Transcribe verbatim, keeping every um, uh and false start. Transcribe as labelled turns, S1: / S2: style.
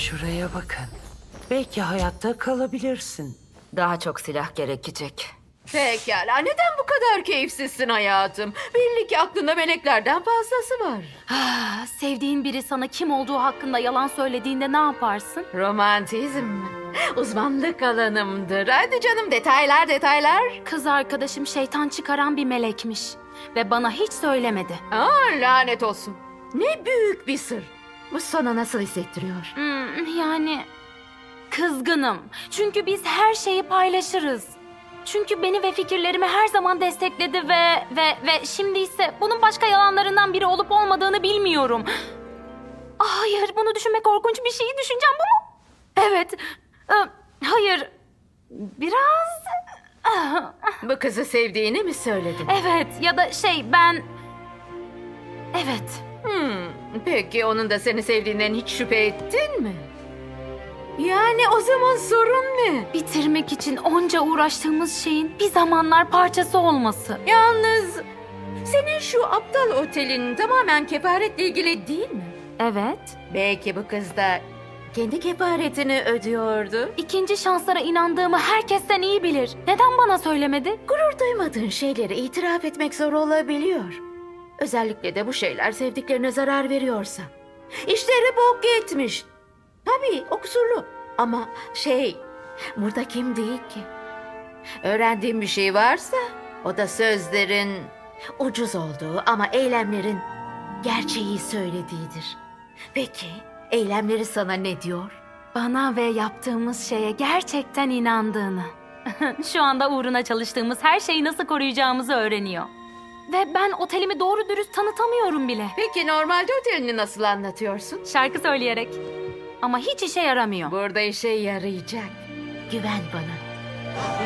S1: Şuraya bakın. Belki hayatta kalabilirsin.
S2: Daha çok silah gerekecek.
S3: Pekala, neden bu kadar keyifsizsin hayatım? Belli ki aklında meleklerden fazlası var.
S4: Ah, sevdiğin biri sana kim olduğu hakkında yalan söylediğinde ne yaparsın?
S3: Romantizm mi? Uzmanlık alanımdır. Hadi canım, detaylar detaylar.
S4: Kız arkadaşım şeytan çıkaran bir melekmiş. Ve bana hiç söylemedi.
S3: Aa, lanet olsun. Ne büyük bir sır. Bu sana nasıl hissettiriyor?
S4: Hmm, yani kızgınım. Çünkü biz her şeyi paylaşırız. Çünkü beni ve fikirlerimi her zaman destekledi ve ve ve şimdi ise bunun başka yalanlarından biri olup olmadığını bilmiyorum. Ah, hayır, bunu düşünmek korkunç bir şey. Düşüneceğim bu mu? Evet. Ee, hayır. Biraz... Ah,
S3: Bu kızı sevdiğini mi söyledin?
S4: evet ya da şey ben... Evet.
S3: Hmm, peki onun da seni sevdiğinden hiç şüphe ettin mi? Yani o zaman sorun ne?
S4: Bitirmek için onca uğraştığımız şeyin bir zamanlar parçası olması.
S3: Yalnız senin şu aptal otelin tamamen kefaretle ilgili değil mi?
S4: Evet.
S3: Belki bu kız da kendi kefaretini ödüyordu.
S4: İkinci şanslara inandığımı herkesten iyi bilir. Neden bana söylemedi?
S3: Gurur duymadığın şeyleri itiraf etmek zor olabiliyor. Özellikle de bu şeyler sevdiklerine zarar veriyorsa. İşleri bok gitmiş. Tabii o kusurlu. Ama şey, burada kim değil ki? Öğrendiğim bir şey varsa o da sözlerin ucuz olduğu ama eylemlerin gerçeği söylediğidir. Peki eylemleri sana ne diyor?
S4: Bana ve yaptığımız şeye gerçekten inandığını. Şu anda uğruna çalıştığımız her şeyi nasıl koruyacağımızı öğreniyor. Ve ben otelimi doğru dürüst tanıtamıyorum bile.
S3: Peki normalde otelini nasıl anlatıyorsun?
S4: Şarkı söyleyerek. Ama hiç işe yaramıyor.
S3: Burada işe yarayacak. Güven bana.